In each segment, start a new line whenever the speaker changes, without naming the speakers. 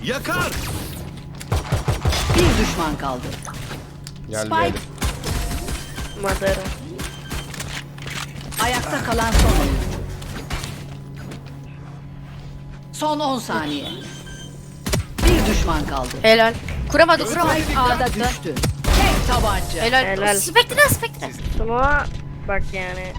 Yakar.
Bir düşman kaldı.
Gel
Spike.
gel.
Madara.
Ayakta kalan son oyuncu. Son 10 saniye. Bir düşman kaldı.
Helal. Kuramadı kuramadı.
Spike
A'da
düştü. Tek tabanca.
Helal.
Helal.
Spektre spektre.
Smoke'a bak yani.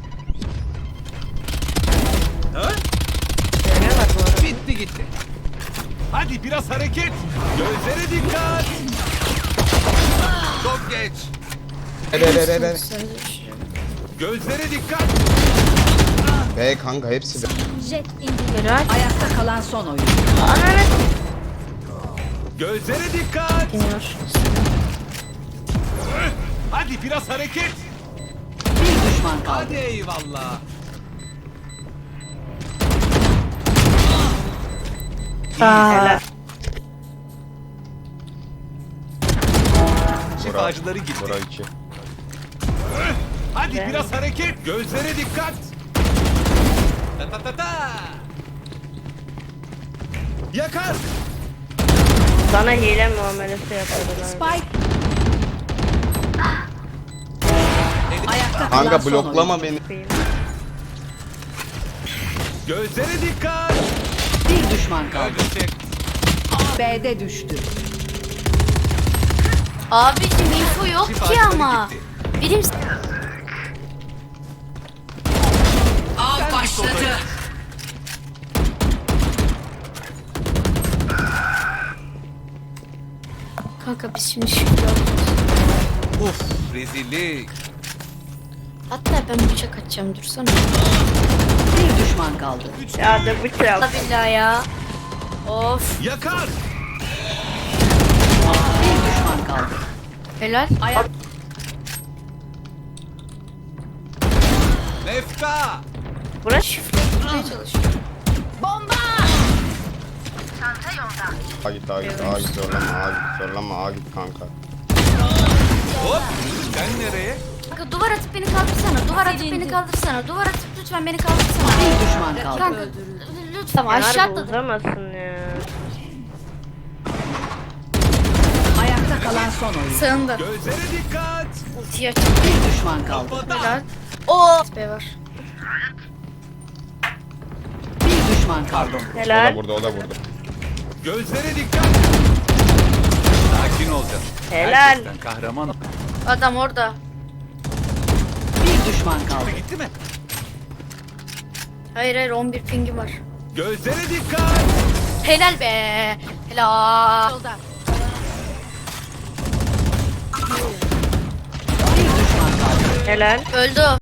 Ha?
Şöyle bak bu arada.
Bitti gitti. Hadi biraz hareket. Gözlere dikkat. Çok geç.
Be.
Gözlere dikkat.
Be kanka hepsi be.
Helal.
Ayakta kalan son oyuncu.
Ananı.
Gözlere dikkat.
Bilmiyor.
Hadi biraz hareket.
Bir düşman kaldı.
Hadi eyvallah.
Helal.
Şifacıları gitti.
Bura 2.
Hadi
Ben-
biraz hareket. Gözlere dikkat. Ta ta ta ta. Yakar.
Sana hile muamelesi yapıyorlar.
Spike. Ayakta kalan
Kanka
son
bloklama
oyuncu.
beni.
Gözlere dikkat.
Bir düşman kaldı.
Ölecek.
B'de düştü.
Abicim info yok ki
Şifacıları
ama.
gitti.
Birim
Av başladı.
kanka biz şimdi şükür olacağız.
Uf rezillik.
Hatta ben bıçak atacağım dursana.
Bir düşman kaldı.
Ya da bıçak.
Allah billahi ya. Of.
Yakar.
Bir düşman kaldı.
Helal.
Ayak
Mefta.
Burası
Şifre çalışıyor.
A git A git A git zorlama A git zorlama A git kanka.
Hop. Sen nereye?
Kanka duvar atıp beni kaldırsana. Duvar atıp beni kaldırsana. Duvar atıp lütfen beni kaldırsana.
bir düşman kaldı.
Kanka lütfen aşağı
Harbi
atladım.
uzamazsın ya.
Ayakta kalan son oyuncu.
Sığındı.
Gözlere dikkat.
Ultiyi aç.
Bir düşman kaldı.
Kafada.
Helal. Oo. B var.
Bir düşman kaldı.
O da
Helal.
burada o da burada.
Gözlere dikkat. Sakin olacaksın.
Helal.
Herkesten kahraman.
Adam orada.
Bir düşman kaldı.
Gitti mi?
Hayır hayır 11 pingi var.
Gözlere dikkat.
Helal be. Helal.
Bir düşman kaldı.
Helal.
Öldü o.